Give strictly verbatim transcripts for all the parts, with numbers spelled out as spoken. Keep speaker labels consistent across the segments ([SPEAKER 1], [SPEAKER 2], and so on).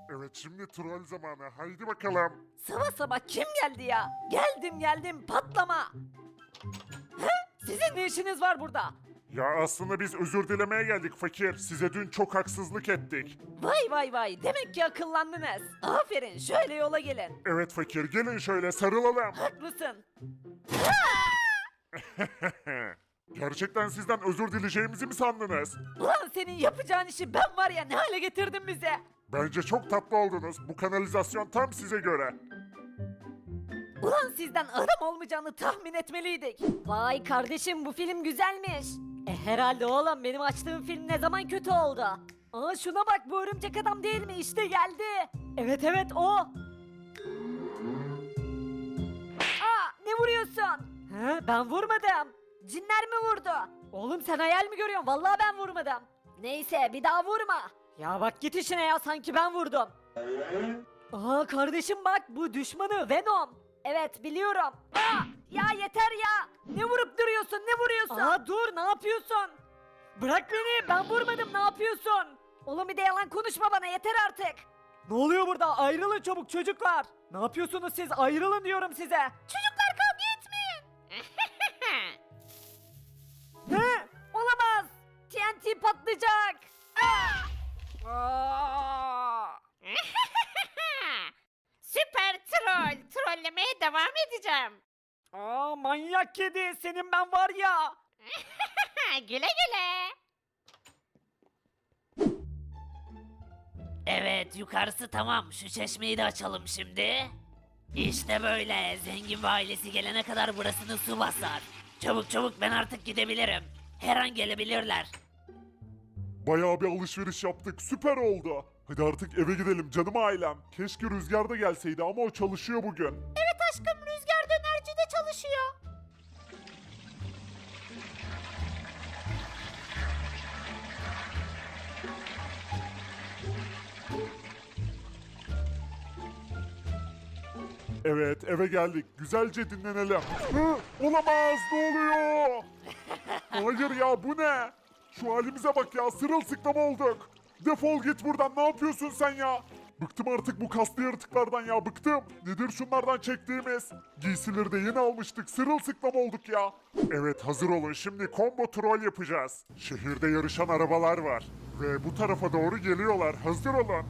[SPEAKER 1] Evet şimdi troll zamanı. Haydi bakalım.
[SPEAKER 2] Sabah sabah kim geldi ya? Geldim geldim patlama. He? Sizin ne işiniz var burada?
[SPEAKER 1] Ya aslında biz özür dilemeye geldik fakir. Size dün çok haksızlık ettik.
[SPEAKER 2] Vay vay vay demek ki akıllandınız. Aferin şöyle yola gelin.
[SPEAKER 1] Evet fakir gelin şöyle sarılalım.
[SPEAKER 2] Haklısın.
[SPEAKER 1] Gerçekten sizden özür dileyeceğimizi mi sandınız?
[SPEAKER 2] Ulan senin yapacağın işi ben var ya ne hale getirdin bize.
[SPEAKER 1] Bence çok tatlı oldunuz. Bu kanalizasyon tam size göre.
[SPEAKER 2] Ulan sizden adam olmayacağını tahmin etmeliydik. Vay kardeşim bu film güzelmiş. E herhalde oğlum benim açtığım film ne zaman kötü oldu? Aa şuna bak bu örümcek adam değil mi? İşte geldi. Evet evet o. Aa ne vuruyorsun? He ben vurmadım. Cinler mi vurdu? Oğlum sen hayal mi görüyorsun? Vallahi ben vurmadım. Neyse bir daha vurma. Ya bak git işine ya sanki ben vurdum. Aa kardeşim bak bu düşmanı Venom. Evet biliyorum. Aa, ya yeter ya. Ne vurup duruyorsun ne vuruyorsun? Aa dur ne yapıyorsun? Bırak beni ben vurmadım ne yapıyorsun? Oğlum bir de yalan konuşma bana yeter artık. Ne oluyor burada ayrılın çabuk çocuklar. Ne yapıyorsunuz siz ayrılın diyorum size. Çocuklar kavga etmeyin. He olamaz. T N T patlayacak. Aa! Aa!
[SPEAKER 3] Süper troll. Trollemeye devam edeceğim.
[SPEAKER 2] Aa manyak kedi senin ben var ya.
[SPEAKER 3] Güle güle.
[SPEAKER 4] Evet yukarısı tamam. Şu çeşmeyi de açalım şimdi. İşte böyle. Zengin ve ailesi gelene kadar burasını su basar. Çabuk çabuk ben artık gidebilirim. Her an gelebilirler.
[SPEAKER 1] Bayağı bir alışveriş yaptık. Süper oldu. Hadi artık eve gidelim canım ailem. Keşke Rüzgar da gelseydi ama o çalışıyor bugün.
[SPEAKER 3] Evet aşkım Rüzgar dönercide çalışıyor.
[SPEAKER 1] Evet eve geldik. Güzelce dinlenelim. Hı, olamaz ne oluyor? Hayır ya bu ne? Şu halimize bak ya sırılsıklam olduk. Defol git buradan ne yapıyorsun sen ya? Bıktım artık bu kaslı yaratıklardan ya bıktım. Nedir şunlardan çektiğimiz? Giysileri de yeni almıştık sırılsıklam olduk ya. Evet hazır olun şimdi combo troll yapacağız. Şehirde yarışan arabalar var. Ve bu tarafa doğru geliyorlar hazır olun.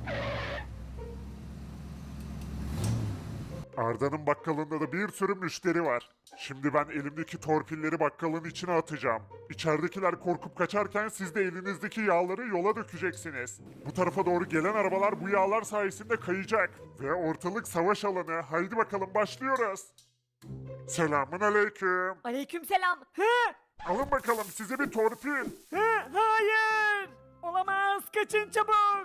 [SPEAKER 1] Arda'nın bakkalında da bir sürü müşteri var. Şimdi ben elimdeki torpilleri bakkalın içine atacağım. İçeridekiler korkup kaçarken siz de elinizdeki yağları yola dökeceksiniz. Bu tarafa doğru gelen arabalar bu yağlar sayesinde kayacak. Ve ortalık savaş alanı. Haydi bakalım başlıyoruz. Selamun aleyküm.
[SPEAKER 2] Aleykümselam. Hı?
[SPEAKER 1] Alın bakalım size bir torpil.
[SPEAKER 2] Hı? Hayır. Olamaz kaçın çabuk.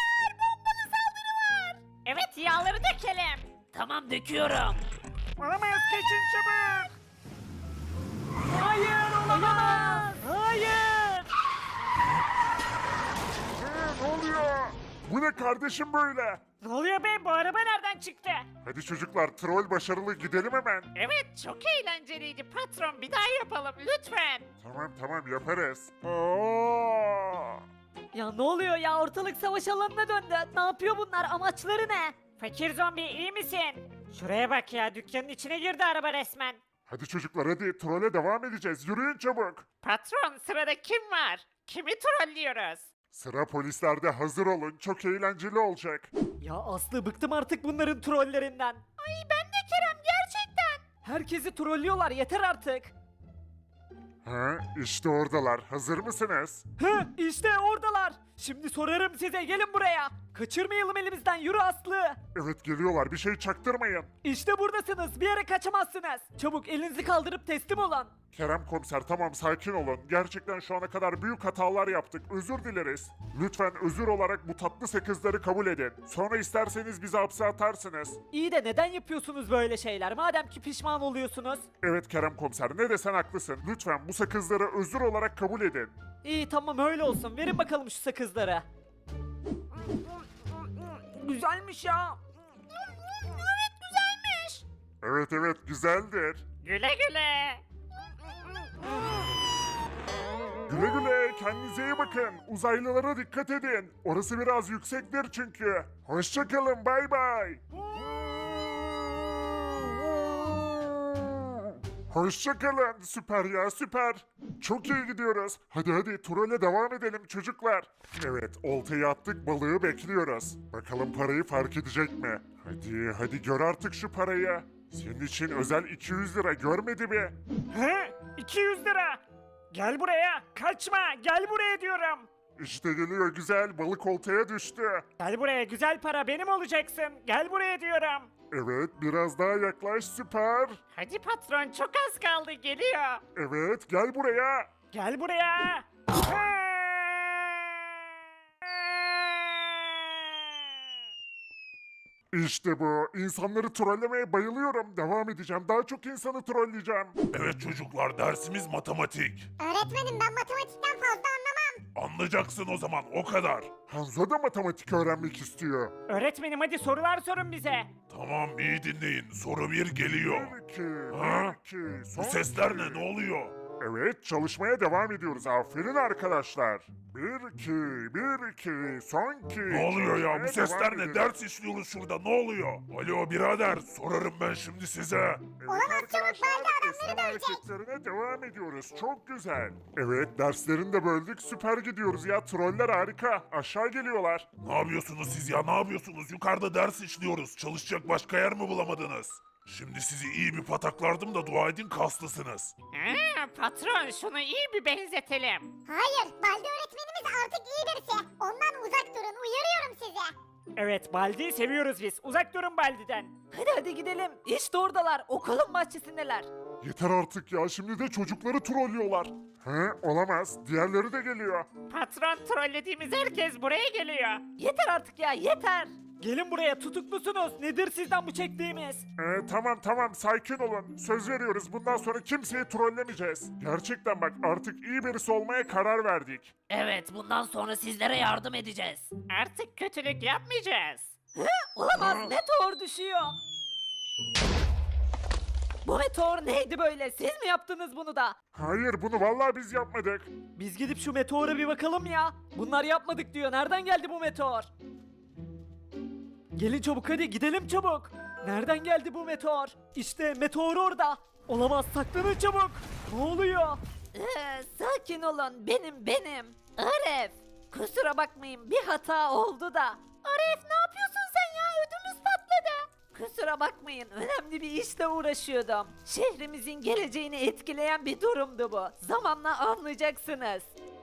[SPEAKER 3] Evet yağları dökelim.
[SPEAKER 4] Tamam döküyorum.
[SPEAKER 2] Olamaz kaçın çabuk. Hayır olamaz. Hayır.
[SPEAKER 1] Hı, ne oluyor? Bu ne kardeşim böyle?
[SPEAKER 2] Ne oluyor be bu araba nereden çıktı?
[SPEAKER 1] Hadi çocuklar troll başarılı gidelim hemen.
[SPEAKER 3] Evet çok eğlenceliydi patron bir daha yapalım lütfen.
[SPEAKER 1] Tamam tamam yaparız. Aa!
[SPEAKER 2] Ya ne oluyor ya ortalık savaş alanına döndü. Ne yapıyor bunlar amaçları ne? Fakir zombi iyi misin? Şuraya bak ya dükkanın içine girdi araba resmen.
[SPEAKER 1] Hadi çocuklar hadi trole devam edeceğiz. Yürüyün çabuk.
[SPEAKER 3] Patron sırada kim var? Kimi trollüyoruz?
[SPEAKER 1] Sıra polislerde hazır olun. Çok eğlenceli olacak.
[SPEAKER 2] Ya Aslı bıktım artık bunların trollerinden.
[SPEAKER 3] Ay ben de Kerem gerçekten.
[SPEAKER 2] Herkesi trollüyorlar yeter artık.
[SPEAKER 1] Ha, işte oradalar. Hazır mısınız?
[SPEAKER 2] Hı işte oradalar. Şimdi sorarım size gelin buraya. Kaçırmayalım elimizden yürü Aslı.
[SPEAKER 1] Evet geliyorlar. Bir şey çaktırmayın.
[SPEAKER 2] İşte buradasınız bir yere kaçamazsınız. Çabuk elinizi kaldırıp teslim olun.
[SPEAKER 1] Kerem komiser tamam sakin olun. Gerçekten şu ana kadar büyük hatalar yaptık. Özür dileriz. Lütfen özür olarak bu tatlı sakızları kabul edin. Sonra isterseniz bizi hapse atarsınız.
[SPEAKER 2] İyi de neden yapıyorsunuz böyle şeyler madem ki pişman oluyorsunuz?
[SPEAKER 1] Evet Kerem komiser ne desen haklısın. Lütfen bu sakızları özür olarak kabul edin.
[SPEAKER 2] İyi tamam öyle olsun verin bakalım şu sakızları. Güzelmiş ya.
[SPEAKER 3] Evet güzelmiş.
[SPEAKER 1] Evet evet güzeldir.
[SPEAKER 3] Güle güle.
[SPEAKER 1] Güle güle, kendinize iyi bakın. Uzaylılara dikkat edin. Orası biraz yüksektir çünkü. Hoşçakalın, bay bay. Hoşçakalın, süper ya süper. Çok iyi gidiyoruz. Hadi hadi trole devam edelim çocuklar. Evet, oltayı attık, balığı bekliyoruz. Bakalım parayı fark edecek mi? Hadi hadi gör artık şu parayı. Senin için özel iki yüz lira görmedi mi?
[SPEAKER 5] He? iki yüz lira. Gel buraya. Kaçma. Gel buraya diyorum.
[SPEAKER 1] İşte geliyor güzel, balık oltaya düştü.
[SPEAKER 5] Gel buraya. Güzel para benim olacaksın. Gel buraya diyorum.
[SPEAKER 1] Evet, biraz daha yaklaş, süper.
[SPEAKER 3] Hadi patron çok az kaldı geliyor.
[SPEAKER 1] Evet, gel buraya.
[SPEAKER 5] Gel buraya.
[SPEAKER 1] İşte bu. İnsanları trollemeye bayılıyorum. Devam edeceğim. Daha çok insanı trolleyeceğim.
[SPEAKER 6] Evet çocuklar dersimiz matematik.
[SPEAKER 7] Öğretmenim ben matematikten fazla anlamam.
[SPEAKER 6] Anlayacaksın o zaman o kadar.
[SPEAKER 1] Hanzo da matematik öğrenmek istiyor.
[SPEAKER 5] Öğretmenim hadi sorular sorun bize.
[SPEAKER 6] Tamam iyi dinleyin soru bir geliyor.
[SPEAKER 1] Bir iki,
[SPEAKER 6] Ha?
[SPEAKER 1] bir iki,
[SPEAKER 6] Bu
[SPEAKER 1] son
[SPEAKER 6] sesler
[SPEAKER 1] iki.
[SPEAKER 6] ne ne oluyor?
[SPEAKER 1] Evet, çalışmaya devam ediyoruz. Aferin arkadaşlar. Bir iki, bir iki, son iki.
[SPEAKER 6] Ne oluyor ya bu
[SPEAKER 1] Çalışmaya
[SPEAKER 6] sesler
[SPEAKER 1] devam
[SPEAKER 6] ne?
[SPEAKER 1] edelim.
[SPEAKER 6] Ders işliyoruz şurada ne oluyor? Alo birader sorarım ben şimdi size.
[SPEAKER 1] Evet
[SPEAKER 7] Olamaz, çabuk,
[SPEAKER 1] arkadaşlar,
[SPEAKER 7] Baldi
[SPEAKER 1] esneme
[SPEAKER 7] adamları dövecek.
[SPEAKER 1] hareketlerine devam ediyoruz. Çok güzel. Evet, derslerini de böldük. Süper gidiyoruz ya. Troller harika. Aşağı geliyorlar.
[SPEAKER 6] Ne yapıyorsunuz siz ya ne yapıyorsunuz? Yukarıda ders işliyoruz. Çalışacak başka yer mi bulamadınız? Şimdi sizi iyi bir pataklardım da dua edin kaslısınız.
[SPEAKER 3] Ha, patron şunu iyi bir benzetelim.
[SPEAKER 7] Hayır, Baldi öğretmenimiz artık iyi birisi. Ondan uzak durun, uyarıyorum sizi.
[SPEAKER 5] Evet Baldi'yi seviyoruz biz. Uzak durun Baldi'den.
[SPEAKER 2] Hadi hadi gidelim. İşte oradalar. Okulun bahçesindeler.
[SPEAKER 1] Yeter artık ya. Şimdi de çocukları trollüyorlar. He, olamaz. Diğerleri de geliyor.
[SPEAKER 3] Patron trollediğimiz herkes buraya geliyor.
[SPEAKER 2] Yeter artık ya yeter.
[SPEAKER 5] Gelin buraya tutuklusunuz. Nedir sizden bu çektiğimiz?
[SPEAKER 1] Ee, tamam tamam sakin olun. Söz veriyoruz bundan sonra kimseyi trollemeyeceğiz. Gerçekten bak artık iyi birisi olmaya karar verdik.
[SPEAKER 4] Evet bundan sonra sizlere yardım edeceğiz.
[SPEAKER 3] Artık kötülük yapmayacağız.
[SPEAKER 2] Olamaz. Meteor düşüyor. Bu meteor neydi böyle? Siz mi yaptınız bunu da?
[SPEAKER 1] Hayır bunu vallahi biz yapmadık.
[SPEAKER 5] Biz gidip şu meteora bir bakalım ya. Bunlar yapmadık diyor. Nereden geldi bu meteor? Gelin çabuk hadi gidelim çabuk. Nereden geldi bu meteor? İşte meteor orada. Olamaz saklanın çabuk. Ne oluyor?
[SPEAKER 2] Ee, sakin olun. Benim benim. Aref. Kusura bakmayın bir hata oldu da. Aref ne yapıyorsun sen ya? Ödümüz patladı. Kusura bakmayın önemli bir işle uğraşıyordum. Şehrimizin geleceğini etkileyen bir durumdu bu. Zamanla anlayacaksınız.